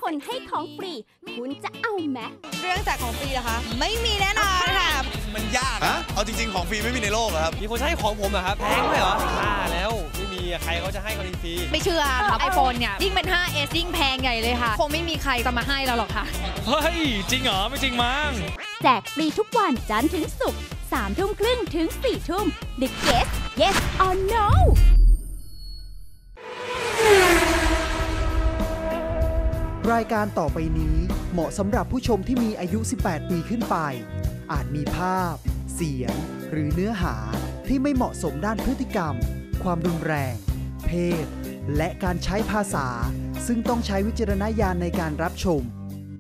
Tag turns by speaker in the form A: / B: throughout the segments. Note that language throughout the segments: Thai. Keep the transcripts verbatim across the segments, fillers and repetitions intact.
A: คนให้ของฟรีคุณจะเอาไหม
B: เรื่องจากของฟรีเหรอคะไม่มีแน่นอนค่ะ
C: มันยากนะเอาจริงๆของฟรีไม่มีในโลกครับ
D: มีคนให้ของผมเหรอครับแพงไหมเหรอบ้าแล้วไม่มีใครเขาจะให้ของฟรี
B: ไม่เชื่อครับไอโฟนเนี่ยยิ่งเป็น ไฟว์เอส ยิ่งแพงใหญ่เลยค่ะคงไม่มีใครจะมาให้เราหรอกค่ะ
D: เฮ้ยจริงเหรอไม่จริงมั้ง
A: แจกฟรีทุกวันจันทร์ถึงศุกร์สามทุ่มครึ่งถึงสี่ทุ่ม The Guest Yes or No
E: รายการต่อไปนี้เหมาะสำหรับผู้ชมที่มีอายุสิบแปดปีขึ้นไปอาจมีภาพเสียงหรือเนื้อหาที่ไม่เหมาะสมด้านพฤติกรรมความรุนแรงเพศและการใช้ภาษาซึ่งต้องใช้วิจารณญาณในการรับชม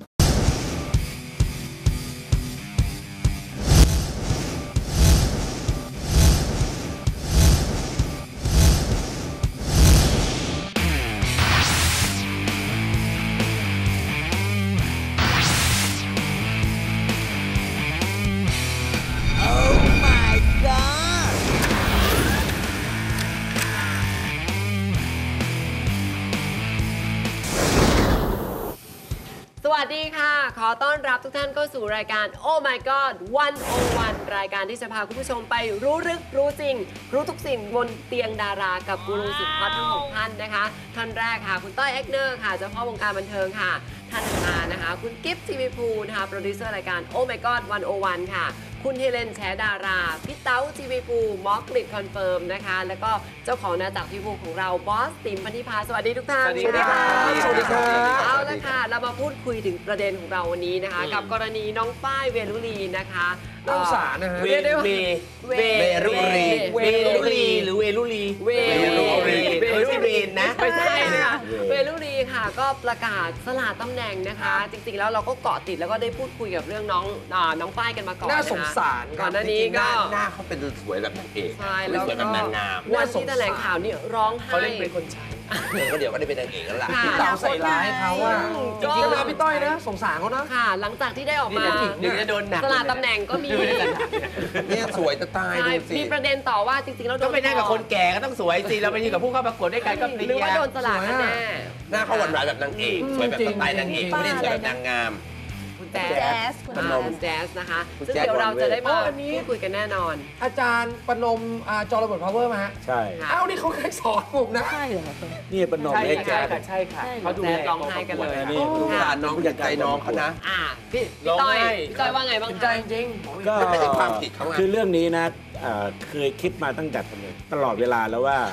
F: สวัสดีค่ะขอต้อนรับทุกท่านเข้าสู่รายการ Oh My God วัน โอ วัน รายการที่จะพาคุณผู้ชมไปรู้ลึกรู้จริงรู้ทุกสิ่งบนเตียงดารากับกูรูสุดฮอตทั้งหกท่านนะคะท่านแรกค่ะคุณต้อยเอ็กเนอร์ค่ะเจ้าพ่อวงการบันเทิงค่ะท่านมานะคะคุณกิฟต์ทีวีพูนะคะโปรดิวเซอร์รายการ Oh My God วัน โอ วัน ค่ะคุณเฮเลนแชร์ดาราพี่เต้าทีวีพูมอสกริดคอนเฟิร์มนะคะแล้วก็เจ้าของนาจักรทีวีพูของเราบอสติ๋มพันธิพาสวัสดีทุกท่าน
D: สวัสดีค่ะ
F: สวัสดีค่ะเอาละค่ะเรามาพูดคุยถึงประเด็นของเราวันนี้นะคะกับกรณีน้องฝ้ายเวลุลีนะคะ
D: น้องสารนะฮะ
F: เวเว
C: เวลุลี
F: เวลุลีหรือเวลุลีเวลุลีเวลุลีนะไม่ใช่ค่ะเวลุลีค่ะก็ประกาศสละตำแหน่งนะคะจริงๆแล้วเราก็เกาะติดแล้วก็ได้พูดคุยกับเรื่องน้องน้องฝ้ายกันมาก่อน
D: น่าสงสาร
F: ก่อนหน้านี้ก็
C: หน้าเขาเป็นสวยแบบนางเอก
F: ใช่แล้วก็
C: แบบนางงาม
F: วันที่แถลงข่าวนี่ร้องไห้
D: เขาเล่นเป็นคนใช้
C: ก็เดี๋ยวก็ได้เป็นนางเอกแล้วล่ะ
D: พี่เต๋าใส่ร้ายเขาว่าจริงๆนะพี่ต้อยนะสงสารเขานะ
F: ค่ะหลังจากที่ได้ออกมา
D: เดี๋ยวจะโดนหนัก
F: สละตำแหน่งก็มี
C: เนี่ยสวยจะตายดูสิ
F: มีประเด็นต่อว่าจริงๆแล้ว
D: ก็ไปนั่งกับคนแก่ก็ต้องสวยสิเราไปยืนกับผู้เข้าประกวดด้วยกันก็
F: หรือว่าโดนสละกันแน่
C: หน้าเขาหวานๆแบบนางเอกสวยแบบสไตล์นางเอกไม่ได้สวยแบบนางงาม
F: แจ๊สคุณแจ๊สนะคะซึ่งเดี๋ยวเราจะได้มาพูดคุยกันแน่นอน
D: อาจารย์ประนมจอระเบิดพาวเวอร์มาฮะ
G: ใช่
D: อ้าวนี่เขาเคยสอนผมนะ
F: ใช่เหรอ
G: นี่ประนมให้แจ๊ส
D: ใช่ค่ะ
F: เขาดูแลร้องไห้กันเลย
C: นี่ลูกหลานน้องอยากใจน้องเขานะ
F: อ่าพี่ต้อยพี่ต้อยว่าไงบ้าง
D: ใจจริง
G: ก็
C: ไม่ใช่ความผิดเขา
G: คือเรื่องนี้นะเคยคิดมาตั้งแต่ตลอดเวลาแล้วว่า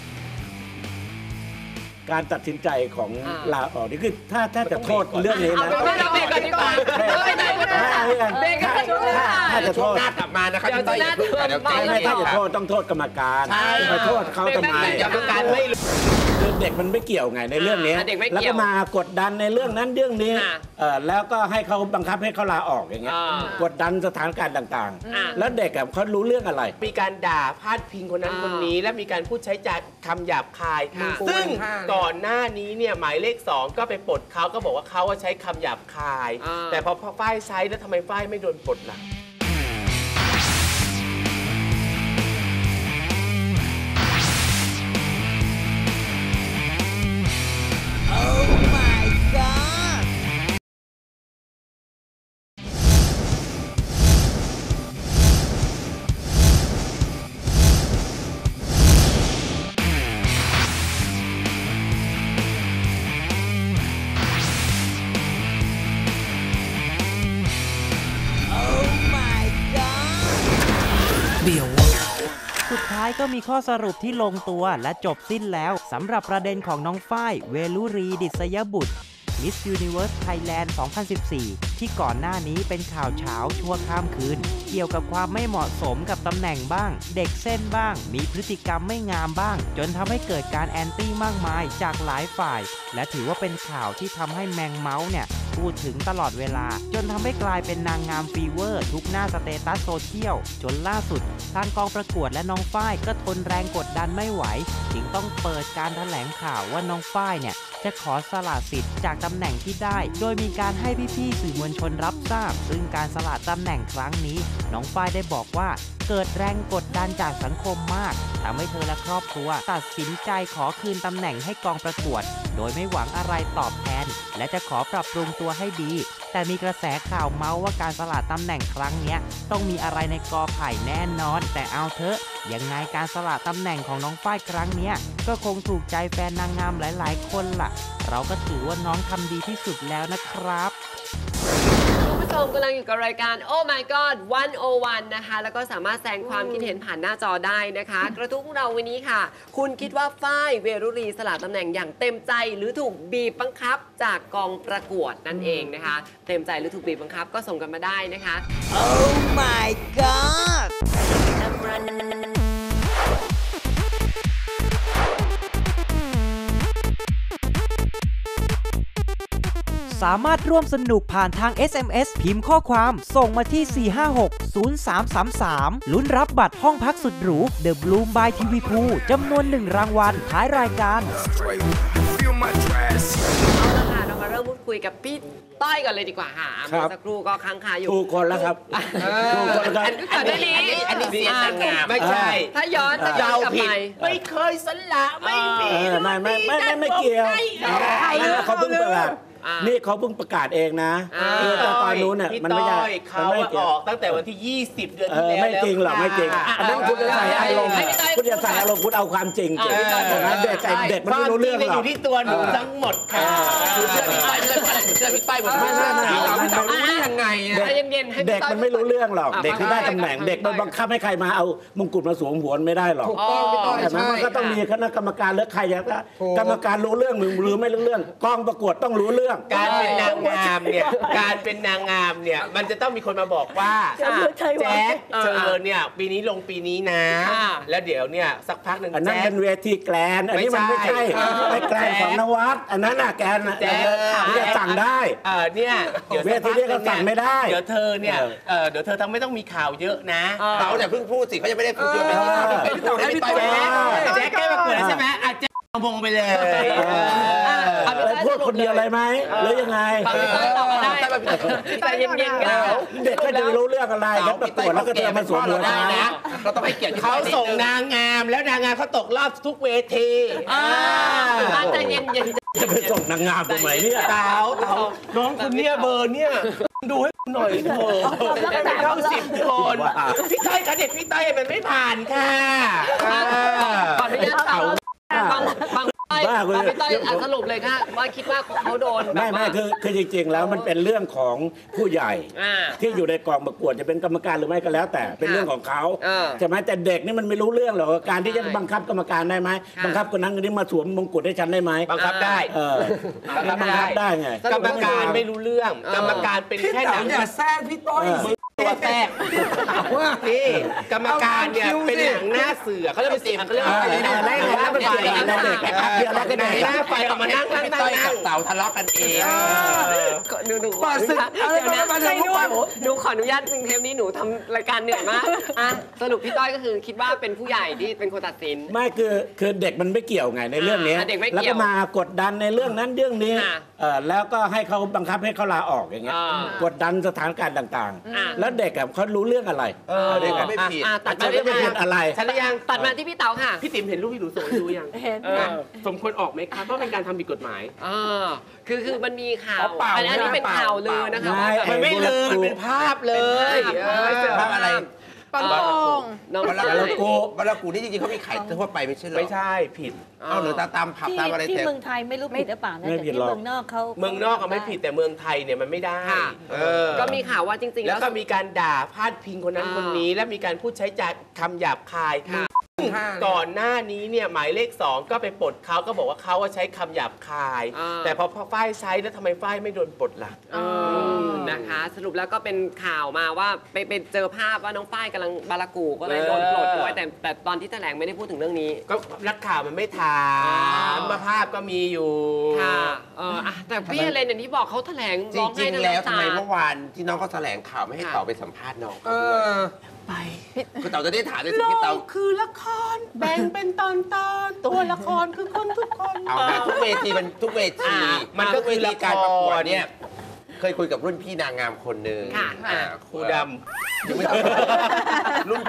G: การตัดสินใจของลาออกนี่คือถ้าถ้าจะโทษเรื่องนี้นะ
F: ไม่เราเบรกกันดีกว่าไม่ได้ไม่ได้เบรกกันช่วงหน้า
G: ถ้าจะโทษ
C: กลับมานะครับพี่ต้อย
G: ไม่ถ้าจะโทษต้องโทษกรรมการไปโทษเขาทำไม
C: กรรมการไม่
G: คือเด็กมันไม่เกี่ยวไงในเรื่องนี้แล้วก็มากดดันในเรื่องนั้นเรื่องนี้แล้วก็ให้เขาบังคับให้เขาลาออกอย่างเงี้ยกดดันสถานการณ์ต่างๆแล้วเด็กเขารู้เรื่องอะไร
D: มีการด่าพาดพิงคนนั้นคนนี้และมีการพูดใช้จากคำหยาบคายซึ่งก่อนหน้านี้เนี่ยหมายเลขสองก็ไปปลดเขาก็บอกว่าเขาใช้คำหยาบคายแต่พอฝ้ายใช้แล้วทำไมฝ้ายไม่โดนปลดล่ะ
H: สุดท้ายก็มีข้อสรุปที่ลงตัวและจบสิ้นแล้วสำหรับประเด็นของน้องฝ้ายเวลุรีดิษยบุตร Miss Universe Thailand สองพันสิบสี่ ที่ก่อนหน้านี้เป็นข่าวเช้าชั่วข้ามคืนเกี่ยวกับความไม่เหมาะสมกับตำแหน่งบ้างเด็กเส้นบ้างมีพฤติกรรมไม่งามบ้างจนทำให้เกิดการแอนตี้มากมายจากหลายฝ่ายและถือว่าเป็นข่าวที่ทำให้แมงเมาส์เนี่ยพูดถึงตลอดเวลาจนทำให้กลายเป็นนางงามฟีเวอร์ทุกหน้าสเตตัสโซเชียลจนล่าสุดทางกองประกวดและน้องฝ้ายก็ทนแรงกดดันไม่ไหวจึงต้องเปิดการแถลงข่าวว่าน้องฝ้ายเนี่ยจะขอสละสิทธิ์จากตำแหน่งที่ได้โดยมีการให้พี่ๆสื่อมวลชนรับทราบซึ่งการสละตำแหน่งครั้งนี้น้องฝ้ายได้บอกว่าเกิดแรงกดดันจากสังคมมากทำให้เธอและครอบครัวตัดสินใจขอคืนตำแหน่งให้กองประกวดโดยไม่หวังอะไรตอบแทนและจะขอปรับปรุงตัวให้ดีแต่มีกระแสข่าวเมาส์ว่าการสละตำแหน่งครั้งเนี้ยต้องมีอะไรในกอไผ่แน่นอนแต่เอาเถอะยังไงการสละตำแหน่งของน้องฝ้ายครั้งเนี้ยก็คงถูกใจแฟนนางงามหลายๆคนล่ะเราก็ถือว่าน้องทำดีที่สุดแล้วนะครับ
F: คุณผู้ชมกำลังอยู่กับรายการ Oh My God หนึ่งศูนย์หนึ่ง นะคะแล้วก็สามารถแสดงความคิดเห็นผ่านหน้าจอได้นะคะ กระทู้ของเราวันนี้ค่ะคุณคิดว่าฝ้ายเวรุรีสละตำแหน่งอย่างเต็มใจหรือถูกบีบบังคับจากกองประกวดนั่นเองนะคะเต็มใจหรือถูกบีบบังคับก็ส่งกันมาได้นะคะ
I: Oh My God
H: สามารถร่วมสนุกผ่านทาง เอส เอ็ม เอส พิมพ์ข้อความส่งมาที่ สี่ ห้า หก ศูนย์ สาม สาม สาม ลุ้นรับบัตรห้องพักสุดหรู The Bloom by ที วี Pool จำนวนหนึ่งรางวัลท้ายรายการ
F: เอาละค่ะเรามาเริ่มพูดคุยกับพี่ต้อยก่อนเลยดีกว่าค่ะเมื่อสักครู่ก็ค้างคาอยู่
G: ถูกคนแล้วครับถูกคนครับ
F: อันนี้
D: อันนี้เสียงงามไม่ใช่
F: ถ้าย้อนจะย้อนกลับไป
D: ไม่เคยสละไม่มี
G: ไม่ไม่ไม่ไม่ไม่เกี่ยวเขาเพิ่งประกาศนี่เขาเพิ่งประกาศเองนะตอนนู้นเนี่ยมันไม่ใช่
D: เขาออกตั้งแต่วันที่ยี่สิบเดือนที่แล้ว
G: ไม่จริงหรอกไม่จริงอันนั้นคุณจะใส่อารมณ์คุณจะใส่อารมณ์คุณเอาความจริงจริงเด็กเด็กมันไม่รู้เรื่องหรอก
D: อยู่ที่ตัวหนูทั้งหมดค่ะ
C: เชื่อพี่ป้ายไม่ได้เชื่อพี่ป้ายหมดไม่ใช่ไม่จับรู้ได้ยังไง
G: เด็กมันไม่รู้เรื่องหรอกเด็กที่ได้ตำแหน่งเด็กมันบังคับให้ใครมาเอามงกุฎมาสวมหัวไม่ได้หรอก
C: ถูกต้องพี่ต้อย
G: แต่มันก็ต้องมีคณะกรรมการหรือใครอย่างกรรมการรู้เรื่องหรือหรือไม่รู้เรื่องกองประกวดต้องรู้เรื่อง
D: การเป็นนางงามเนี่ยการเป็นนางงามเนี่ยมันจะต้องมีคนมาบอกว่าแจ๊คเธอเนี่ยปีนี้ลงปีนี้นะแล้วเดี๋ยวเนี่ยสักพักหนึ่ง
G: อันนั้นเป็นเวทีแกลนอันนี้มันไม่ใช่ไม่แกลนของนวัดอันนั้นน่ะแกลนแจ๊คจะสั่งได้
D: เออเนี่ย
G: เดี๋ยวเวทีนี้ก็สั่งไม่ได้
D: เดี๋ยวเธอเนี่ยเออเดี๋ยวเธอทำไม่ต้องมีข่าวเยอะนะ
C: เขาเนี่ยเพิ่งพูดสิเขายังไม่ได้พูดเยอะเลยพี่ต้อยพี่ต้อย
D: แจ๊คแก้มาเกิดใช่ไหมอาจจะมงไปเลย
G: พูดคนเดียวอะไรไหมหรือยังไง
F: แต่เย็นๆกัน
G: เด็กก็จะรู้เรื่องอะไรแล้วประกวดแล้วก็เดินมาสวมหัวได้
C: นะเราต้องให้เกียรติ
D: เขาส่งนางงามแล้วนางงามเขาตกรอบทุกเวที
F: แต่เย็นๆ
G: จะไปส่งนางงามทำไมเนี่ย
D: เต๋าเต๋าน้องคุณเนี่ยเบอร์เนี่ยดูให้หน่อยเถอะเข้าสิบคนพี่ต้อยคะเด็กพี่ต้อยมันไม่ผ่านค่ะ
F: ขออนุญาตเต๋าบางบางพี่ต้อยสรุปเลยค่ะว่าคิดว่าเขาโดน
G: ไม่ไม่คือคือจริงๆแล้วมันเป็นเรื่องของผู้ใหญ่ที่อยู่ในกองประกวดจะเป็นกรรมการหรือไม่ก็แล้วแต่เป็นเรื่องของเขาใช่ไหมแต่เด็กนี่มันไม่รู้เรื่องหรอกการที่จะบังคับกรรมการได้ไหมบังคับคนนั้นคนนี้มาสวมมงกุฎให้ฉันได้ไหม
D: บังคับได้
G: เออบังคับได้ไง
D: กรรมการไม่รู้เรื่องกรรมการเป็นแค่หนัง
C: อย่าแซงพี่ต้อย
D: ตัวแทรกนี่กรรมการเนี่ยเป็นหนังหน้าเสือเขาเรียกเป็นเสียงเขาเรียกว่าอะไรนะหน้าไฟหน้าเด็กเดี๋ยวเราจะได้หน้าไฟเอามานั่งนั่งนั่งนั่ง
C: เต่าทะเลาะกันเอง
F: หนูหนูขออนุญาตหนูขออนุญาตจริงเทปนี้หนูทำรายการเหนื่อยมากอ่ะสรุปพี่ต้อยก็คือคิดว่าเป็นผู้ใหญ่ที่เป็นคนตัดสิน
G: ไม่คือคือเด็กมันไม่เกี่ยวไงในเรื่องนี้แล้วก็มากดดันในเรื่องนั้นเรื่องนี้แล้วก็ให้เขาบังคับให้เขาลาออกอย่างเงี้ยกดดันสถานการณ์ต่างๆแล้วเด็กเขารู้เรื่องอะไร
C: เด็กไม่ผิด
F: ตัดมา
G: ไม่ผิดอะไร
D: ฉันยัง
F: ตัดมาที่พี่เต๋าค่ะ
D: พี่ติ๋มเห็นรูปที่หนูส่งให้ดูยัง
F: เห็น
D: สมควรออกไหมครับเพราะเป็นการทำผิดกฎหมาย
F: คือคือมันมีข่าวอันนี้เป็นข่าวลือนะคะ
D: มันไม่ลือมันเป็นภาพเลย
C: ภาพอะไร
B: ปลาโป่ง
C: น้องบาลากูบาลากูนี่จริงๆเขามีขายทั่วไปไม่ใช่หรอ
D: ไม่ใช่ผิด
C: เอาหรือตามผับตามอะไร
I: ที่เมืองไทยไม่รู้ผิดหรือเปล่านะแต่ที่เมืองนอกเขา
D: เมืองนอกก็ไม่ผิดแต่เมืองไทยเนี่ยมันไม่ได้
F: ก็มีข่าวว่าจริงๆ
D: แล้วก็มีการด่าพาดพิงคนนั้นคนนี้และมีการพูดใช้จากคำหยาบคายก่อนหน้านี้เนี่ยหมายเลขสองก็ไปปลดเขาก็บอกว่าเขาใช้คำหยาบคายแต่พอฝ้ายใช้แล้วทำไมฝ้ายไม่โดนปลดล่ะ
F: นะคะสรุปแล้วก็เป็นข่าวมาว่าไปไปเจอภาพว่าน้องฝ้ายกำลังบาลากูก็เลยโดนปลดด้วยแต่แต่ตอนที่แถลงไม่ได้พูดถึงเรื่องนี้
D: ก็นักข่าวมันไม่ถามมาภาพก็มีอยู่
F: ค่ะเออแต่พี่เรนอย่างที่บอกเขาแถลง
C: จริงๆแล้วทำไมเมื่อวานที่น้องเขาแถลงข่าวไม่ให้เต่าไปสัมภาษณ์น้องไปคุณเต่าจะได้ถามในสิ่งที่เต่า
D: คือละครแบ่งเป็นตอนตอนตัวละครคือคนทุกคน
C: เอานะทุกเวทีมันทุกเวทีมันก็คือการประกวดเนี่ยเคยคุยกับรุ่นพี่นางงามคนหนึ่ง
D: ครูดำ
C: รุ่นพี่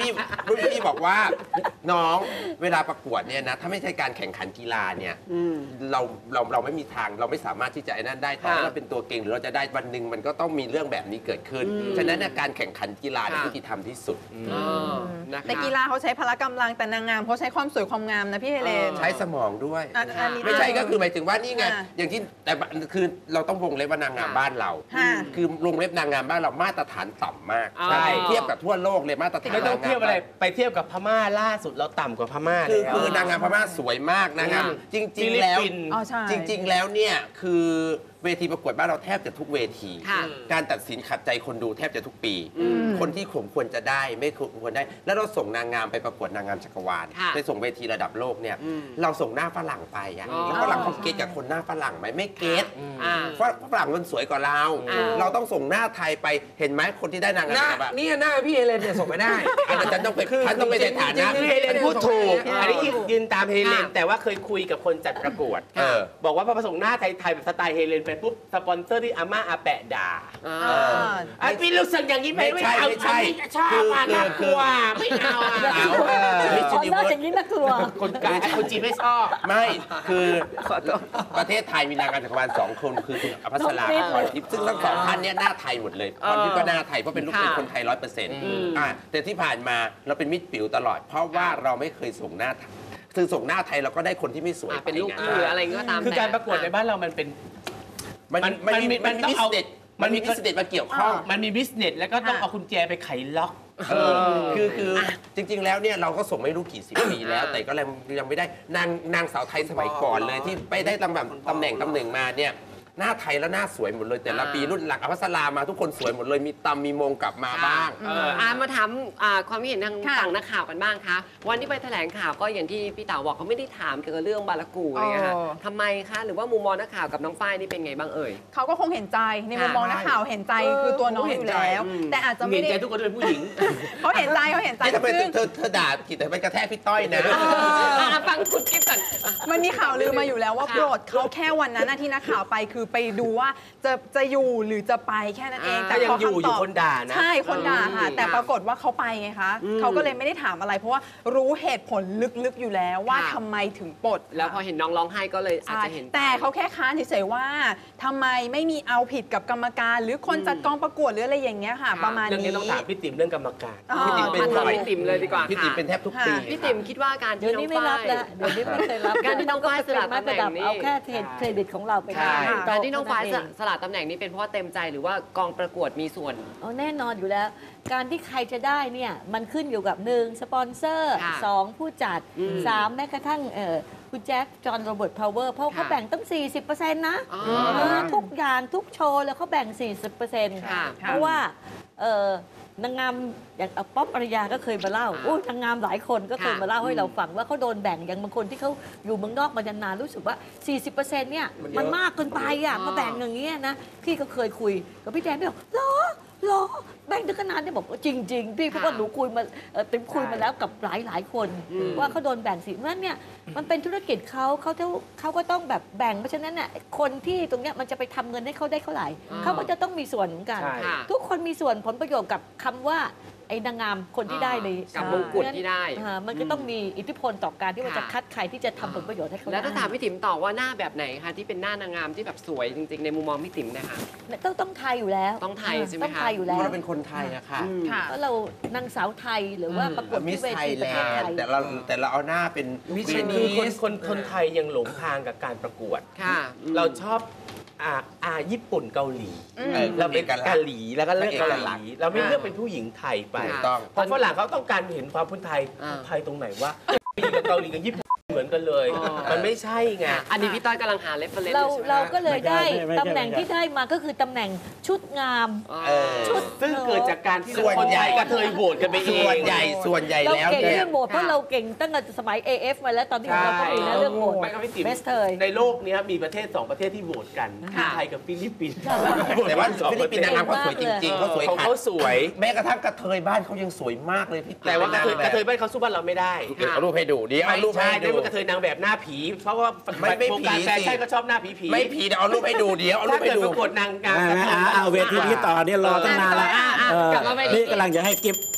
C: รุ่นพี่บอกว่าน้องเวลาประกวดเนี่ยนะถ้าไม่ใช่การแข่งขันกีฬาเนี่ยเราเราเราไม่มีทางเราไม่สามารถที่จะไอ้นั่นได้ถ้าเราเป็นตัวเก่งหรือเราจะได้วันหนึ่งมันก็ต้องมีเรื่องแบบนี้เกิดขึ้นฉะนั้นการแข่งขันกีฬาเป็นยุติธรรมที่สุด
J: แต่กีฬาเขาใช้พละกำลังแต่นางงามเขาใช้ความสวยความงามนะพี่เฮเลน
C: ใช้สมองด้วยไม่ใช่ก็คือหมายถึงว่านี่ไงอย่างที่แต่คือเราต้องวงเล็บว่านางงามบ้านเราคือวงเล็บนางงามบ้านเรามาตรฐานต่ำมากเทียบกับทั่วโลกเลยมาตรฐาน
D: ไม่ต้องเทียบอะไรไปเทียบกับพม่าล่าสุดเราต่ำกว่าพม่า
C: คือคือนางงามพม่าสวยมากนะครับจริงๆแล้วจริงๆแล้วเนี่ยคือเวทีประกวดบ้านเราแทบจะทุกเวทีการตัดสินขัดใจคนดูแทบจะทุกปีคนที่ผมควรจะได้ไม่ควรได้แล้วเราส่งนางงามไปประกวดนางงามจักรวาลไปส่งเวทีระดับโลกเนี่ยเราส่งหน้าฝรั่งไปอะแล้วฝรั่งเขาเก็ตกับคนหน้าฝรั่งไหมไม่เก็ตเพราะฝรั่งมันสวยกว่าเราเราต้องส่งหน้าไทยไปเห็นไหมคนที่ได้นางงามแบบ
K: นี่หน้าพี่เฮเลนเนี่ยส่งไม่ได้
C: อาจารย์ต้องไปฉันต้องไปในฐานะ
D: เฮเลนพูดถูกอันนี้ยืนตามเฮเลนแต่ว่าเคยคุยกับคนจัดประกวดบอกว่าพอผสมหน้าไทยๆแบบสไตล์เฮเลนไปปุ๊บสปอนเซอร์ที่อาม่าอาแปะด่าไอ้พี่รู้สึกอย่างนี้ไหมไม่ใช่ไม่ใช่ชอบอ่ะน่ากลัวไม่เอาอ่ะ
I: คนน่าอย่างนี้น่ากลัว
D: คนกลางคนจีนไม่ชอบ
C: ไม่คือประเทศไทยมีนางงามจักรวาลสองคนคือคุณอภัสราพรทิพย์ซึ่งทั้งสองท่านเนี่ยหน้าไทยหมดเลยพรทิพย์ก็หน้าไทยเพราะเป็นลูกเป็นคนไทยร้อยเปอร์เซ็นต์แต่ที่ผ่านมาเราเป็นมิตรปิ๋วตลอดเพราะว่าเราไม่เคยส่งหน้าคือส่งหน้าไทยเราก็ได้คนที่ไม่สวย
F: เป็นลูกหรืออะไรก็ตาม
D: คือการประกวดในบ้านเรามันเป็น
C: มันมันมีมันมีบิสเนสมันมีบิสเนสมาเกี่ยวข้อง
D: มันมีบิสเนสแล้วก็ต้องเอากุญแจไปไขล็อก
C: คือคือจริงๆแล้วเนี่ยเราก็ส่งไม่รู้กี่สิบปีแล้วแต่ก็ยังไม่ได้นางนางสาวไทยสมัยก่อนเลยที่ไปได้ตำแหน่งตำแหน่งตำแหน่งมาเนี่ยหน้าไทยแล้วหน้าสวยหมดเลยแต่ละปีรุ่นหลังอภัสรามาทุกคนสวยหมดเลยมีตำมีมงกลับมาบ้าง
F: อ่ามาถามความคิดเห็นทางฝั่งนักข่าวกันบ้างคะวันที่ไปแถลงข่าวก็อย่างที่พี่เต๋าบอกเขาไม่ได้ถามเกี่ยวกับเรื่องบารากูอะไรเงี้ยค่ะทำไมคะหรือว่ามุมมองนักข่าวกับน้องฝ้ายนี่เป็นไงบ้างเอ่ย
J: เขาก็คงเห็นใจในมุมมองนักข่าวเห็นใจคือตัวน้องอยู่แล้วแต่อาจจะไม่ได้
D: เห็นใจทุกคนเป็นผู้หญิง
J: เขาเห็นใจเขาเห็นใจ
C: ซึ่งเธอเธอด่าผิดแต่ไปกระแทกพี่ต้อยนะ
F: ฟังคุณกิ๊บก่อน
J: มันมีข่าวลือมาอยู่แล้วว่าโปรดเขาแค่วันนั้นที่นักข่าวไปคือไปดูว่าจะจะอยู่หรือจะไปแค่นั้นเอง
D: แต่ยังอยู่อยู่คนด่านะ
J: ใช่คนด่าค่ะแต่ปรากฏว่าเขาไปไงคะเขาก็เลยไม่ได้ถามอะไรเพราะว่ารู้เหตุผลลึกๆอยู่แล้วว่าทำไมถึงปลด
F: แล้วพอเห็นน้องร้องไห้ก็เลยอาจจะเห็น
J: แต่เขาแค่ค้านเฉยๆว่าทำไมไม่มีเอาผิดกับกรรมการหรือคนจัดกองประกวดหรืออะไรอย่างเงี้ยค่ะประมาณนี้
D: เรื่องนี้ต้องถามพี่ติ๋มเรื่องกรรมการ
F: พี่ติ๋มเป็นพี่ติ๋มเลยดีกว่า
C: พี่ติ๋มเป็นแทบทุกปี
F: พี่ติ๋มคิดว่าการที่น้องฝ้าย
I: เดี๋ยวนี้ไม่เคยรับ
F: การที่น้องฝ้ายสละตำแหน่งนี้
I: เอาแค่เครดิตของเราไป
F: การที่น้องฝ้ายสละตำแหน่งนี้เป็นเพราะเต็มใจหรือว่ากองประกวดมีส่วน
I: อ๋อแน่นอนอยู่แล้วการที่ใครจะได้เนี่ยมันขึ้นอยู่กับหนึ่งสปอนเซอร์สองผู้จัดสามแม้กระทั่งคุณแจ็คจอห์นโรเบิร์ตพาวเวอร์เพราะเขาแบ่งตั้ง สี่สิบเปอร์เซ็นต์ นะทุกอย่างทุกโชว์แล้วเขาแบ่ง สี่สิบเปอร์เซ็นต์ เพราะว่านางงามอย่างป๊อปอารยาก็เคยมาเล่าโอ้นางงามหลายคนก็เคยมาเล่าให้เราฟังว่าเขาโดนแบ่งอย่างบางคนที่เขาอยู่เมืองนอกมานานรู้สึกว่า สี่สิบเปอร์เซ็นต์ เนี่ยมันมากเกินไปอ่ะมาแบ่งอย่างเงี้ยนะพี่ก็เคยคุยกับพี่แดนพี่บอกเหรอเหรอแบ่งถึงขนาดนี้บอกว่าจริงๆพี่เพราะว่าหนูคุยมาติ๊มคุยมาแล้วกับหลายหลายคนว่าเขาโดนแบ่งสิเพราะฉะนั้นเนี่ยมันเป็นธุรกิจเขาเขาเขาก็ต้องแบบแบ่งเพราะฉะนั้นเนี่ยคนที่ตรงเนี้ยมันจะไปทำเงินให้เขาได้เท่าไหร่เขาก็จะต้องมีส่วนเหมือนกันทุกคนมีส่วนผลประโยชน์กับคำว่าไอ้นางงามคนที่ได้ใน
F: กับมงกุฎที่ได้
I: มันก็ต้องมีอิทธิพลต่อการที่ว่าจะคัดใครที่จะทำผลประโยชน์ให้เขา
F: แล้วถ้าถามพี่ติ๋มต่อว่าหน้าแบบไหนคะที่เป็นหน้านางงามที่แบบสวยจริงๆในมุมมองพี่ติ๋มนะคะ
I: ต้องต้องไทยอยู่แล้ว
F: ต้องไทยใช่ไหมคะ
I: ต้องไทยอยู่แล้ว
C: เราเป็นคนไทยอะค่ะ
I: เพราะเรานางสาวไทยหรือว่าประกวด
C: มิสไทยแลนด์แต่เราแต่เราเอาหน้าเป็น
D: มิสคือคนคนคนไทยยังหลงทางกับการประกวดเราชอบอ่าอ่าญี่ปุ่นเกาหลีเราเป็นเกาหลีแล้วก็เลือกเกาหลีเราไม่เลือกเป็นผู้หญิงไทยไปเพราะฝรั่งเขาต้องการเห็นความเป็นไทยไทยตรงไหนว่ากับเกาหลีกับญี่ปุ่นเหมือนกันเลยมันไม่ใช่ไง
F: อันนี้พี่ต้อยกำลังหาเรฟเฟอเรนซ์
I: เราเราก็เลยได้ตำแหน่งที่ได้มาก็คือตำแหน่งชุดงาม
D: ชุดซึ่งเกิดจากการที่คนใหญ่กระเทยโหวตกันไปเอง
C: ส่วนใหญ่ส่วนใหญ่แล้ว
I: เราเก่งเรื่องโหวตเพราะเราเก่งตั้งแต่สมัย เอ เอฟ มาแล้วตอนที่เราก็มีนะเรื่องโหวตเบสเทย
D: ในโลกนี้มีประเทศสองประเทศที่โหวตกันไทยกับฟิลิปปินส์
C: แต่ว่าฟิลิปปินส์นางงามเขาสวยจริงๆเขาสวย
D: เขาสวย
C: แม้กระทั่งกระเทยบ้านเขายังสวยมากเลยพี่
D: แต่ว่ากระเทยบ้านเขาสู้บ้านเราไม่ได้
C: เอารูปให้ดูเดี๋ยวเอารูปให้ดู
D: กระเทยนางแบบหน้าผีเพราะว่าไม่ไม่ผีแฟชั่นก็ชอบหน้าผีผี
C: ไม่ผีเดี๋ยวเอารูปให้ดูเดี๋ยวเอารูปให้ดู
D: ประกวดนางงาม
G: เอาเวทีนี้ต่อเนี่ยรอตั้งนานแล้วนี่กำลังจะให้กิฟ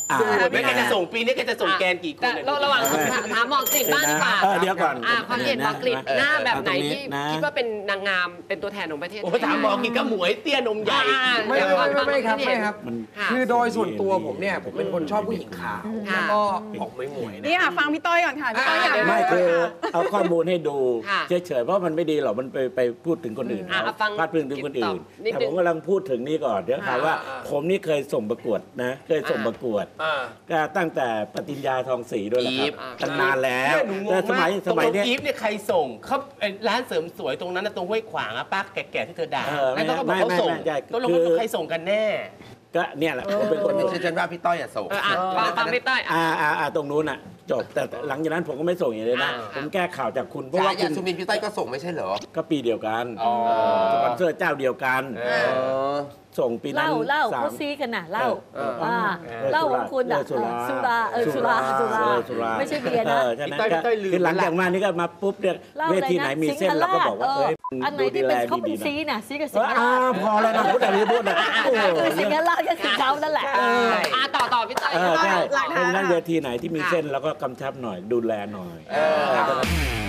G: อ่า
D: ไม่แกจะส่งปีนี้แกจะส่งแกนกี่คน
F: แต่ระหว่างถามหมอกฤษบ้างดีกว่า
G: เออเดี๋ยวก่อน
F: อ่าความเห็นหมอกฤษหน้าแบบไหนที่
G: นะ
F: คิดว่าเป็นนางงามเป็นตัวแทนของประเทศ
D: โอ้ถามหมอกินกระหมวยเตี้ยนมใหญ่
K: ไม่ไม่ไม่ไม่ครับไม่ครับ
G: มัน
K: คือโดยส่วนตัวผมเนี่ยผมเป็นคนชอบผู้หญิงขาวแล้วก็ออกหมวยๆนะ
J: นี่ค่ะฟังพี่ต้อยก่อนค่ะพี่ต้อยอยาก
G: ไม่คือเอาข้อมูลให้ดู
F: ค่ะ
G: เฉยๆเพราะมันไม่ดีหรอกมันไปไปพูดถึงคนอื่น
F: อ่ะ
G: เขา
F: ฟัง
G: พาดพิงถึงคนอื่น
F: นิด
G: แต่
F: นึ
G: ผ
F: ง
G: มกำลังพูดถึงนี่ก่อนเดี๋ยวถามว่า
D: อ่า
G: ผมนี่เคยส่งประกวดนะเคยส่งประกวด
D: อ่า
G: ก็ตั้งแต่ปฏิญญาทองศรีด้วยนะค
C: อี
G: รับ
C: ฟ
G: ตั้งนานแล้ว
D: เนี่ยหนูงง
G: แต่ส
D: มา
G: มั
D: ก
G: ยสมัยเนี้ย
D: ตรงอีฟเนี่ยใครส่งเขาไอ้ร้านเสริมสวยตรงนั้นนะตรงห้วยขวางอะป้าแก่ๆที่เธอด่า
G: เออไม่
D: แล้วก็บอกเขา
G: ไม่
D: ส่ง
G: ไม่ใช่
D: ก็ลง
G: คือ
D: ว่าใครส่งกันแน่
G: ก็เนี่ยแหละผมเป็นคน
C: ไม่ใช่ฉันว่าพี่ต้อยอะส่ง
F: เอออ่ะฟังฟังพี่ต้อยอ่ะ
G: อ่าอ่าอ่าตรงนู้นอ่ะจบแต่หลังจากนั้นผมก็ไม่ส่งอย่างนี้เลยนะ
F: อ่า
G: ผมแก้ข่าวจากคุณเพราะ
C: ฉา
G: ว่าคุ
C: ยา
G: ณ
C: สุมินพี่ต้อยก็ส่งไม่ใช่เหรอ
G: ก็ปีเดียวกัน
C: อ๋อ
G: สปอนเซอร์เจ้าเดียวกัน
C: เออ
G: ส่งปีนั้น
I: เล่าเล่า
G: สาม
I: เขาซีกันน่ะเล่า
C: เออ
I: ว่า
G: เออ
I: เล่าของคุณอ่ะ
G: สุรา
I: สุราเออสุราสุรา
G: เออสุรา
I: ไม่ใช่เบียร์นะ
G: ออใช่ไหม
D: พี่ต้อยพี่ต้อยลืม
G: คือหลัง
D: แล้ว
G: จากมานี่ก็มาปุ๊บเนี่ย
I: เล่า
G: เว
I: อะไร
G: ทีไหน
I: นะ
G: มี
I: สิง
G: เส้น
I: ห์
G: เราก็
I: ราช
G: บอกว่า
I: เอ
G: เอ้
I: อย อันไหนที่เป็นเขาเป็นซีน่ะซีกับสิงห์
G: อ่า
I: ราช
G: พอแล้วนะพูดอะไรพูดนะโอ้โห
I: คือสิงห์ราชก็คือเขานั่นแหละ
G: เออ
F: อ่ะต่อต่อพี่ต้อย
G: เออใช่
J: หลัก
G: เพ
J: ฐาน
G: ราะฉะนั้น
J: ค่ะ
G: เวทีไหนที่มีเส้นเราก็กำชับหน่อยดูแลหน่อย
C: เออ
G: เออ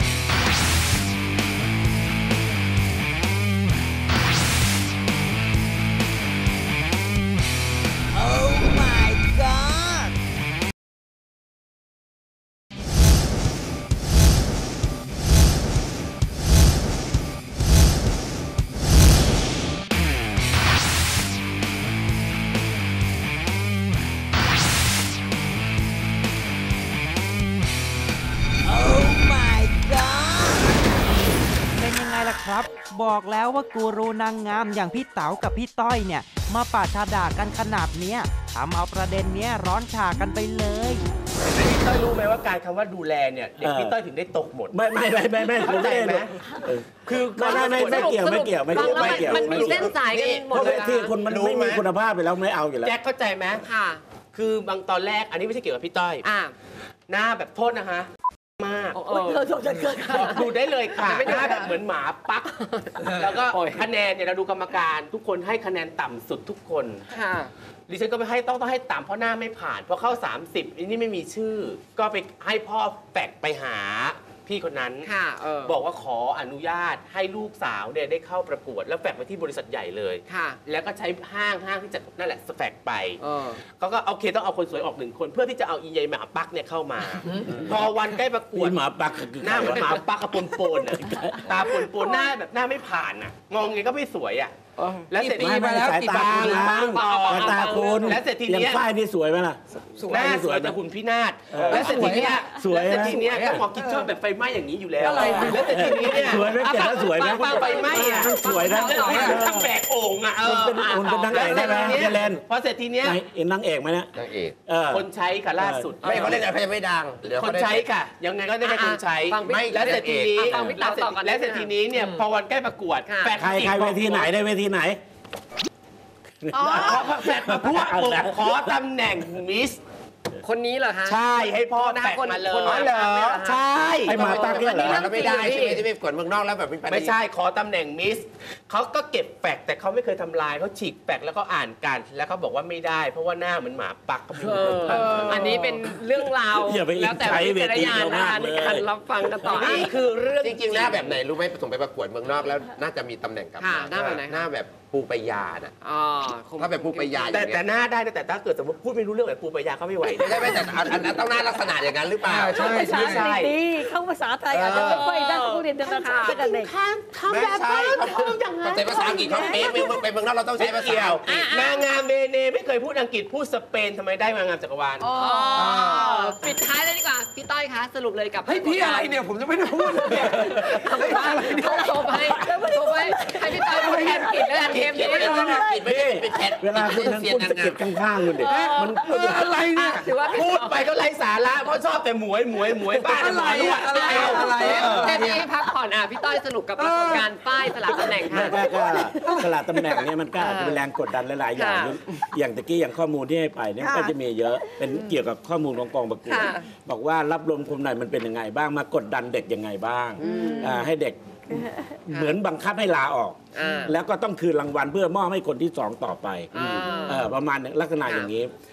H: เป็นยังไงล่ะครับ บอกแล้วว่ากูรูนางงามอย่างพี่เต๋ากับพี่ต้อยเนี่ย มาปาชาด่ากันขนาดเนี้ยทำเอาประเด็นเนี้ยร้อนฉากันไปเลย
D: พี่ต้อยรู้ไหมว่าการคำว่าดูแลเนี่ยเด็กพี่ต้อยถึงได้ตกหมด
G: ไม่ไม่ไม่ไม่ไม่ผม
D: เข้าใจ
G: ไม่
D: ไหม
G: ได้เออ
D: คือ
G: ไม่ไม่ไม่ไม่เกี่ยวไม่เกี่ยวไม่
F: ฟัง
G: เกี่ยว
F: แล้ว
G: ไม่
F: มัน
G: เกี่ยว
F: มันมีเส้นสายกันหม
G: เพ
F: ด
G: ราะ
F: เลย
G: ที่
F: นะ
G: คุณมันไม่มีคุณภาพไปแล้วไม่เอาอยู่แล้ว
D: แจ็คเข้าใจไหม
F: ค่ะ
D: คือบางตอนแรกอันนี้ไม่ใช่เกี่ยวกับพี่ต้อย
F: อ่ะ
D: หน้าแบบโทษนะคะ มาก
F: โอ้โห
I: เออโทษจะเกิดค่ะ
D: ดูได้เลยค่ะหน้าแบบเหมือนหมาปัก แล้วก็คะแนนเนี่ยเราดูกรรมการ ทุกคนให้คะแนนต่ำสุดทุกคน
F: ค่ะ
D: ดิฉันก็ไปให้ต้องต้องให้ต่ำเพราะหน้าไม่ผ่านเพราะเข้า สามสิบอันนี้ไม่มีชื่อ ก็ไปให้พ่อแฝกไปหาพี่คนนั้น
F: ค่ะเออ
D: บอกว่าขออนุญาตให้ลูกสาวเนี่ยได้เข้าประกวด แล้วแฝกไปที่บริษัทใหญ่เลย
F: ค่ะ
D: แล้วก็ใช้ห้างห้างที่จะนั่นแหละแฝกไป
F: เออ
D: ก็ก็โอเคต้องเอาคนสวยออกหนึ่งคน เพื่อที่จะเอาอีใยหมาปักเนี่ยเข้ามา พอวันใกล้ประกวด
G: นี่หมาปักคือ
D: หน้าเหมือนหมาปักกับปนปนๆอ่ะตาปนปนๆหน้าแบบหน้าไม่ผ่านอ่ะงองไงก็ไม่สวยอ่ะแล้วเสร็จ
G: ไม่ไม่สายตาคุณล้างสายตาคุณ
D: แล้วเสร็จที
G: อย่าง
D: เนี้ย
G: ฝ้ายนี่สวยไหมล่ะ
D: หน้าสวยแต่หุ่นพินาศแล้วเสร็จทีเนี้ย
G: สวยนะ
D: แล้วเสร็จทีเนี้ยก็หมอกินชอบแบบไฟไหม้อย่างนี้อยู่แล้วแล้วเสร็จทีนี้เนี่ย
G: สวยไหมเก่งแล้วสวยไหม
D: ปาไฟไหม้อ่ะ
G: สวยนะ
D: ทั้งแบกโอ่งอ่ะ
G: คุณเป็นคุณเป็นนางเอกได้ไหมเจเลน
D: พอเสร็จทีเนี้ย
G: นางเอกนางเอกไหมเนี่ย
C: นางเอก
G: เออ
D: คนใช้ค่ะล่าสุด
C: ไม่เขาเล่นอะไรเขายังไม่ดังเดี๋ยว
D: ค
C: เขา
D: น
C: ได้
D: ใช้ค่ะ ยังไงก็ได้แค่คนใช้
F: ฟังพี่
D: ไม่แล้วเสร็จทีนี้
F: อ่ะฟังพี่
D: แล้
F: เต๋าว
D: เสร็จ
F: ต่อก่อน
D: แล้วเสร็จทีนี้เนี่ยพอวันใกล้ประกวด
F: ค่ะ
D: แฟน
G: ใครใครเวทีไหนได้เวทีไหน
F: อ๋อ
D: แฟนมาพูดปุ๊บขอตำแหน่งมิส
F: คนนี้เหรอฮะ
D: ใช่ให้พ่อ
F: หน้า
D: แปะ
F: คน
D: มาเลย
F: คนหน้า
D: เหรอ
F: เนี่ยเหรอ
D: ใช่
G: ไอ้หมาปักเนี่ยเหรอ
C: แล้วไม่ได้ใช่ไหมที่ไปประกวดเมืองนอกแล้วแบบมีปัญหา
D: ไม่ใช่ขอตำแหน่งมิสเขาก็เก็บแฟกแต่เขาไม่เคยทำลายเขาฉีกแฟกแล้วก็อ่านกัน แล้วเขาบอกว่าไม่ได้ เพราะว่าหน้าเหมือนหมาปักก็ไม่
F: เอ
D: รู้
F: ออันนี้เป็นเรื่องราว
G: อย่าไป
F: แล้วแต่
G: ใช้
F: วิจารณญาณ
G: เวที
F: นะคะ
G: เขามาก
F: ใน
G: เลย
F: การรับฟังกันต่อ
D: นี่คือเรื่อง
C: จริงๆหน้าแบบไหนรู้ไหมส่งไปประกวดเมืองนอกแล้วน่าจะมีตำแหน่งกลับ
F: ค่ะ
C: มา
F: หน้าแบบไหนคะ
C: หน้าแบบปูปายาน่ะ
F: อ๋อคง
C: ถ้าแบบปูปายาอ
D: แต่
C: ย่างเงี้
D: แต่
C: ย
D: หน้าได้นะแต่ถ้าเกิดสมมติพูดไม่รู้เรื่องแบบปูปายาก็ไม่ไหว
C: ไม่ใช่ไม่แต่อันอันนั้นต้องหน้าลักษณะอย่างนั้นหรือเปล่า
K: ใช่
I: ภาษาอังกฤษดีเข้าภาษาไทยอาจจะไม่ค่อยได้ผู้เรียนธนาคารตั้งแต่เด็ก
C: ไม่ใช่เขาเขาใช้ภาษาอังกฤษเขาเป๊ะไปเมืองไปเมืองนอกเราต้องใช้ภาษา
D: เกี่ยว
C: อังกฤษ
D: นางงามเบเนไม่เคยพูดอังกฤษพูดสเปนทำไมได้นางงามจักรวาล
F: อ๋อปิดท้ายเลยดีกว่า พี่ต้อยคะสรุปเลยกับ
K: เฮ้ยพี่อะไรเนี่ยผมจะไม่ได้พูดเลยเนี่ย
F: เอาไปอะไรเนี่ยโทรไปโทรไปให้พี่ต้อยพูดแทนกิจแล้วกันเทปนี้
C: ไม่ได้ไม่ได้ไม่ได้เป็นแชท
G: เวลาคุณนั้นคุณสะกิดข้างๆคุณดิมัน
K: เอออะไรเนี่ย
F: ถือว่าพี่
D: พูดไปก็ไร้สาระเพราะชอบแต่หมวยหมวยหมวยบ้าน
K: อะไร
D: หมวย
K: อะอะไรอะอะไรอะ
F: เทปนี้พักผ่อนอ่ะพี่ต้อยสรุปกับปรากฏการณ์ป้ายสลับตำแหน่ง
G: ไม่
F: ค่ะ
G: ก็ก็สลัดตำแหน่งเนี่ยมันก็อาจจะเป็นแรงกดดันหลายๆอย่าง
F: ค่ะ
G: อย่างตะกี้อย่างข้อมูลที่ให้ไปเนี่ยมันก็
J: ค่ะ
G: จะมีเยอะเป็นเกี่ยวกับข้อมูลของกองประกวด
F: ค่ะ
G: บอกว่ารับรวมคนไหนมันเป็นยังไงบ้างมากดดันเด็กยังไงบ้างอ่าให้เด็กเหมือนบังคับให้ลาออก
F: อ่า
G: แล้วก็ต้องคืนรางวัลเพื่อมอบให้คนที่สองต่อไป
F: อ่า
G: เออประมาณลักษณะอย่างนี้
I: อ่ะ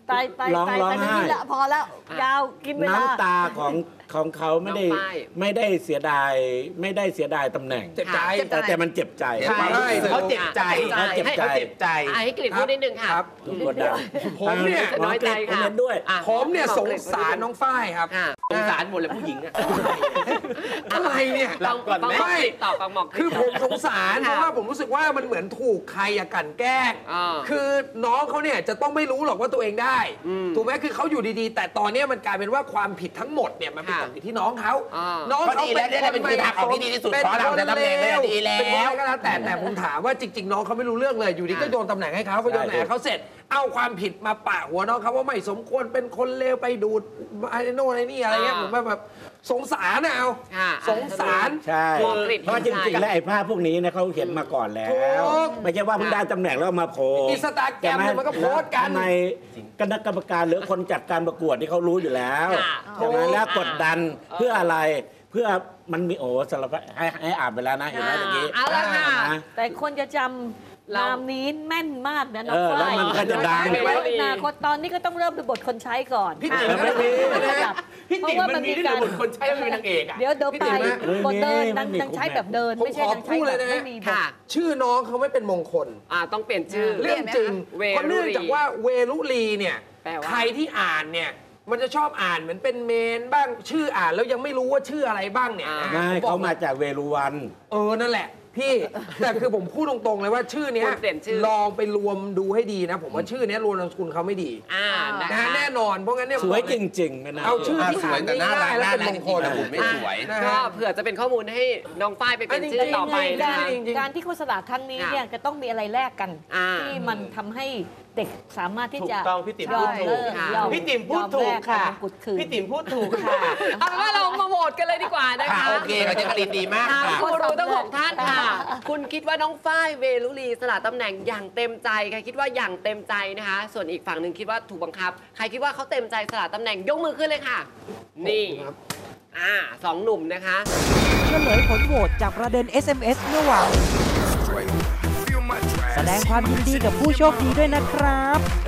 I: ตายตาย
G: ร้อง
I: ตาย
G: ร้อง
I: ไป
G: ไห้
I: นี่ละพอแล้วยาวกินเวลา
G: น้ำตาของของเขาไม่ได้
F: น้องฝ้าย
G: ไม่ได้เสียดายไม่ได้เสียดายตำแหน่ง
K: เจ็บใจ
G: แต่แต่มันเจ็บใจ
D: ใช่เขาเจ็บใจ
G: เขาเจ็บใจ
D: เขาเจ็บใจ
F: อ่ะให้กลิ่นพูดนิดนึงค่ะ
K: ครับ
G: ทุกคนดัง
K: ผมเนี่ย
F: น้อยใจค่ะ
G: เห็นด้วย
F: อ่ะ
K: ผมเนี่ยสงสารน้องฝ้ายครับ
F: ค่ะ
D: สงสารหมดเลยผู้หญิงอะ
K: อะไรเนี่ย
F: ฟัง
D: ก่อนไหม
F: ฟังหมอกคลิปต่อฟังหมอกลิป
K: คือผมสงสาร
F: ค่ะ
K: เพราะว่าผมรู้สึกว่ามันเหมือนถูกใครอะกลั่นแกล้ง
F: อ่า
K: คือน้องเขาเนี่ยจะต้องไม่รู้หรอกว่าตัวเองได้
F: อืม
K: ถูกไหมคือเขาอยู่ดีๆ แต่ตอนเนี้ยมันกลายเป็นว่าความผิดทั้งหมดเนี่ยมันเป็น
F: ค่ะ
K: ความผิดที่น้องเขา
F: อ่า
K: น้อง
C: ก็
K: เขา
C: ดีแล้วได้เป็นทางออกที่ดีที่สุด
K: เป็น
C: ขอเรา
K: คน
C: แต่ตำแหน่งเนี่ยดีแล้ว
K: เป็นคนก็แล้วแต่แต่ผมถามว่าจริง ๆ น้องเขาไม่รู้เรื่องเลยอยู่ดีก็โยนตำแหน่งให้เขาก็โยนตำแหน่งให้เขาเสร็จ เอาความผิดมาปะหัวน้องเขาว่าไม่สมควรเป็นคนเลวไปดูดไอ้โน่นไอ้นี่อะไรเงี้ยผมว่าแบบสงสารนะเอา
F: ค่ะ
K: สงสาร
G: ใช่
F: หมอกฤษ
G: เพราะจริงๆ แล้วไอ้ภาพพวกนี้เนะเขาเห็นมาก่อนแล้ว
K: ถูก
G: ไม่ใช่ว่าเพิ่งได้ตำแหน่งแล้วเอามาโพสต์
K: อินสตาแกรมเนี่ยมันก็โพสต์กัน
G: ทำไมคณะกรรมการหรือคนจัดการประกวดที่เขารู้อยู่แล้ว
F: ค่ะ
G: ใช่ไหมแล้วกดดันเพื่ออะไรเพื่อมันมีโอ้สารพัดให้ให้อ่านไปแล้วนะเห็นไหมเมื่อกี้
F: เอาละค่ะ
G: นะ
I: แต่คนจะจำ
F: เรา
I: นามนี้แม่นมากนะน้อ
G: เอง อแล้ว
I: ฝ้าย
G: มันก็จะดัง
I: แล้วอนาคตตอนนี้ก็ต้องเริ่มเป็นบทคนใช้ก่อน
K: พี่ติ๋ม
I: อ่ะ
K: ไม่มี
I: ไม่ขยับ
D: พี่
I: เพ
D: ติ๋
I: ราะ
D: ม
I: ว่า
D: มั
I: มัน น
D: มี
I: มี
D: ด้วย
I: การ
D: เหรอคนใช้แล้วเป็นนางเอกอะ
I: เดี๋ยวเดี๋ยว
K: พี่
I: ไป
K: ติ๋มนะ
I: บทเดิน
G: ไม่
I: นาง
G: มี
I: นางใช้แบบเดิน
K: ผม
I: ไม่ใช่
K: ขอ
I: นางใช้
K: พูด
I: แบ
K: เลย
I: บ
K: นะ
I: ไม่มีบท
F: ค่ะ
K: ชื่อน้องเขาไม่เป็นมงคล
F: อ่าต้องเปลี่ยนชื่อ
K: เรื่องจริง
F: เวรุลี
K: เพราะเนื่องจากว่าเวลุลีเนี่ย
F: แปลว่า
K: ใครที่อ่านเนี่ยมันจะชอบอ่านเหมือนเป็นเมนบ้างชื่ออ่านแล้วยังไม่รู้ว่าชื่ออะไรบ้างเนี่ยนะ
G: ไม่
K: ผมบอก
G: เขามาจากเวรุวัน
K: เออนั่นแหละพี่ แต่คือผมพูดตรงๆเลยว่าชื่อเนี้ย
F: ควรเปลี่ยนชื่อ
K: ลองไปรวมดูให้ดีนะ ผมว่าชื่อเนี้ยรวมนามสกุลเขาไม่ดี
F: อ่านะ
K: นะคะ ฮะแน่นอนเพราะงั้นเนี่ย
G: สวยจริงๆไม่น่า
K: เอาชื่อ
C: อ่ะ
K: ที่
C: สวยแต่น่ารัก
K: อ่
C: น่า
K: และ
C: รัก
K: เป็น
C: จ
K: มงคล
C: ริงๆแต่หุ่นไม่สวย
K: นะ
F: ก็
K: ฮะ
F: เผื่อจะเป็นข้อมูลให้น้องฝ้ายไปเป็นชื่อต่อไป
K: จริ
F: นะ
K: ง
F: คะ
K: ๆ จริงๆ
I: การที่โฆษณาครั้งนี้เนี่ยจะต้องมีอะไรแลกกัน
F: อ่า
I: ที่มันทำให้เด็กสามารถที่
D: ถูก
I: จะ
D: ต้องพี่ติ๋ม
I: ย
D: พู
I: อ
D: ด
I: ม
D: ถู
I: เลิ
D: ก
I: ก
F: ค่ะ
I: ยอม
D: พี่ติ๋มพูดถูกค่ะ
I: ยอมแลกมงกุฎคืน
D: พี่ติ๋มพูดถูกค่ะ
F: เอาเป็นว่าเรามาโหวตกันเลยดีกว่านะคะ
C: ค่ะโอเคเราจะกรีนดีมาก
F: ถาม
C: ค่ะ
F: กูรูทั้งหกท่านค่ะ คุณคิดว่าน้องฝ้ายเวลุลีสละตำแหน่งอย่างเต็มใจใครคิดว่าอย่างเต็มใจนะคะ ส่วนอีกฝั่งหนึ่งคิดว่าถูกบังคับ ใครคิดว่าเขาเต็มใจสละตำแหน่งยกมือขึ้นเลยค่ะ นี่อ่าสองหนุ่มนะคะ
H: เฉลยผลโหวตจากประเด็น เอส เอ็ม เอส เมื่อวานแสดงความยินดีกับผู้โชคดีด้วยนะครับ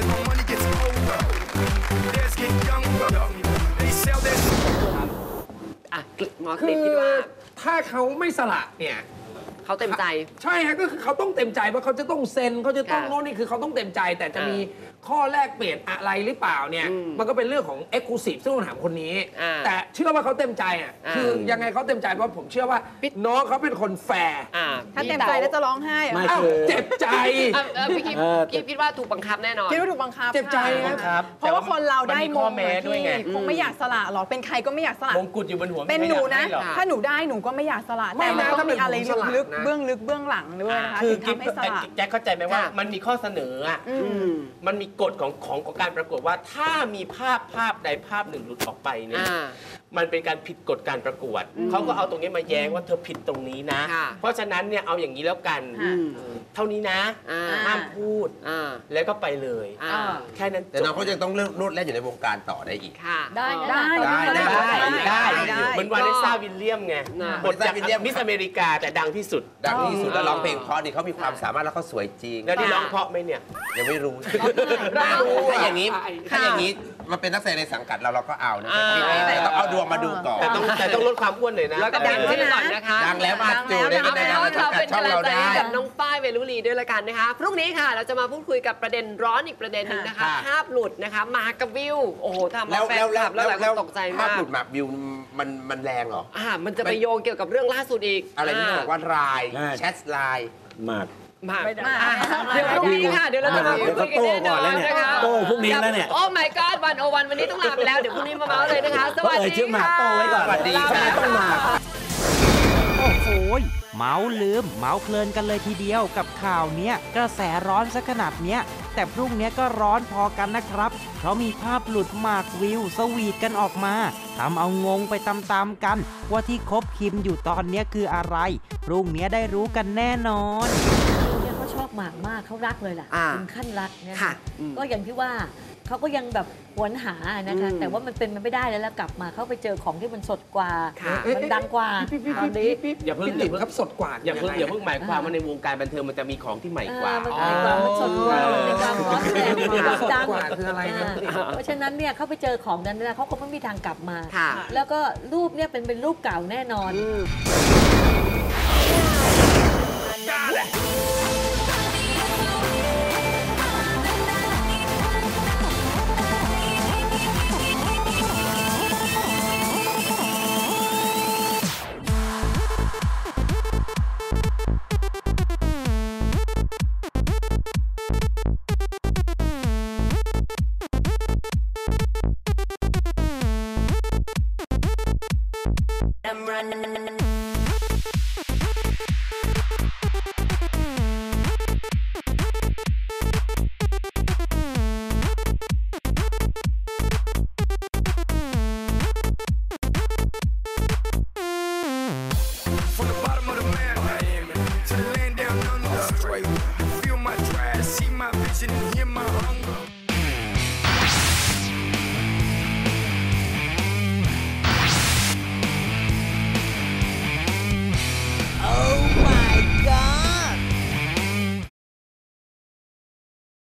F: อ่ะหมอ
K: คื
F: ติด
K: อ
F: คิดว่า
K: ถ้าเขาไม่สละเนี่ย
F: เขาเต็มใจ
K: ใช่ฮะก็คือเขาต้องเต็มใจว่าเขาจะต้องเซ็นเขาจะต้อง
F: ค่ะ
K: โน่นนี่คือเขาต้องเต็มใจ แต่จะ
F: อ่ามี
K: มีข้อแลกเปลี่ยนอะไรหรือเปล่าเนี่ย
F: อืม
K: มันก็เป็นเรื่องของ Exclusive ซึ่งต้องถามคนนี้
F: อ่า
K: แต่เชื่อว่าเขาเต็มใจอ่ะ
F: อ่า
K: คือยังไงเขาเต็มใจเพราะผมเชื่อว่าน้องเขาเป็นคนแฟร์
F: อ่า
J: ถ้าเต็มใจแล้วจะร้องไห้เหรอ
G: ไม่
K: อ้าว
G: คือ
K: เจ็บใจ
F: เอ่อเอ่อพี่คิด
G: เออ
F: คิดคิดว่าถูกบังคับแน่นอน
J: คิดว่าถูกบังคับ
K: เจ็บใจ
J: ค่ะ
K: บังคับ
J: เพราะว่าคนเราได้
D: มันมี
J: ม
D: ข้อง แม้ด้วยไง
J: คงไม่อยากสละหรอกเป็นใครก็ไม่อยากสละ
D: มงกุฎอยู่บนหัว
J: เป็นหนูนะ
D: ไม่อยากให้หรอก
J: ถ้าหนูได้หนูก็ไม่อยากสละ
K: ไม่
J: แต่มัน
K: นะ
J: ต้อง
K: ถ้าเป็
J: มี
K: น
J: อะไร
K: ผมสละ
J: ลึก
K: นะ
J: ๆเบื้องลึกเบื้องหลังด้วยนะคะ
D: คือ
J: ถึง
D: กิ๊บ
J: ทำให้สละ
D: แจ็คเข้าใจไหมว่า
F: ค่ะ
D: มันมีข้อเสนออ่ะ
J: อืม
D: มันมีกฎของของของการประกวดว่าถ้ามีภาพภาพใดภาพหนึ่งหลุดออกไปเนี่ย
F: อ่า
D: มันเป็นการผิดกฎการประกวด เขาก็เอาตรงนี้มาแย้งว่าเธอผิดตรงนี้นะ
F: ค่ะ
D: เพราะฉะนั้นเนี่ยเอาอย่างนี้แล้วกัน
J: ค่ะ
D: เออเท่านี้นะ
F: อ่า
D: ห้ามพูด
F: อ่า
D: แล้วก็ไปเลย
F: อ่า
D: แค่นั้น
C: แต่น้องเขาจะต้องเลือกรูดแล่นอยู่ในวงการต่อได้อีก
F: ค่ะ
I: ได้นะ
J: ได้
C: ได้ได้
D: ได้
J: ได้
D: เหมือนวาเลซ่าวิลเลียมไง
F: น่ะ
D: บทจาก
C: วาเลซ่าวิลเลียม
D: มิสอเมริกาแต่ดังที่สุด
C: ดังที่สุดแล้วร้องเพลงเพราะนี่เขามีความสามารถแล้วเขาสวยจริง
D: แล้วนี่ร้องเพราะไหมเนี่ย
C: ยังไม่รู้
F: ได้
C: ถ้าอย่างนี้ ถ้าอย่างนี้มาเป็นนักแสดงในสังกัดเราเราก็เอานะแต่ต้องเอาดวงมาดูก่อน
D: แต่ต้องแต่ต้องลดความอ้วนหน่อยนะ
F: แล้วก็ดังขึ้นก่อนนะคะ
C: ดังแล้วมาจูได้
F: เอา
C: เป็น
F: เป็น
C: นาง
F: ว่า
C: สั
F: เรา
C: งกั
F: เป็
C: ด
F: น
C: ช่อง
F: กำลัง
C: เรา
F: ใจ
C: ได้
F: ให้กับน้องฝ้ายเวลุลีด้วยละกันนะคะ พรุ่งนี้ค่ะเราจะมาพูดคุยกับประเด็นร้อนอีกประเด็นหนึ่งนะคะ
C: ค่ะ
F: ภาพหลุดนะคะมากับวิว โอ้โหทำ
C: แล้
F: มาว แฟน
C: แล้ว
F: ค
C: แล้
F: ลั
C: ว
F: บแล้วหลายคนตกใจ
C: ภาพ
F: มาก
C: หลุดแบบวิวมันมันแรงเหรอ
F: อ่ามันจะไปโยงเกี่ยวกับเรื่องล่าสุดอีก
C: อะไรที่บอกว่าไลน์
G: ใช่
C: แชทไลน์
G: มาก
F: มาก
J: ไม่ได้
F: อ่ะเดี๋ยวพรุ่งนี้ค่ะ เดี๋ยวเราจะมาพูดคุยกันแน่นอนนะคะ
G: โต้พรุ่งนี้แล้วเนี่ย
F: โอ้ my god วันโอวันวันนี้ต้องลาไปแล้ว เดี๋ยวพรุ่งนี้มาเมาส์เลยนะคะ สวัส
G: เอ่ย
F: ดี
G: ชื่อหมาก
F: ค่ะ
G: โต้ไว้ก่อน
C: สวัสดี
F: ลาไป
C: ค่ะ
F: แล้ว
G: ต้องมา
H: โอ้โหยเมาส์ลืม เมาส์เพลินกันเลยทีเดียวกับข่าวเนี้ยกระแสร้อนซะขนาดเนี้ย แต่พรุ่งเนี้ยก็ร้อนพอกันนะครับ เพราะมีภาพหลุดหมากวิวสวีทกันออกมาทำเอางงไปตามๆกัน ว่าที่คบคิมอยู่ตอนเนี้ยคืออะไร พรุ่งเนี้ยได้รู้กันแน่นอน
I: เนี่ยเขาชอบหมากมากเขารักเลยล่ะ
F: อ่า
I: ถึงขั้นรักเนี่ยนะ
F: ค่ะอืม
I: ก็อย่างที่ว่าเขาก็ยังแบบหวนหานะคะแต่ว่ามันเป็นมันไม่ได้แล้วแล้วกลับมาเขาไปเจอของที่มันสดกว่ามันดังกว่าตอนนี้
D: อย่าเพิ่ง
K: พี่ติ๋มครับสดกว่า
D: อย่าเพิ่งอย่าเพิ่งหมายความว่าในวงการบันเทิงมันจะมีของที่ใหม่กว่า
I: มันมีความมันสดกว่ามันมีความร้อนแรงมีความดัง
K: กว่าคืออะไรนะ
I: เพราะฉะนั้นเนี่ยเขาไปเจอของนั้นนะเขาก็ไม่มีทางกลับมา แล้วก็รูปเนี่ยเป็นเป็นรูปเก่าแน่นอน
F: อ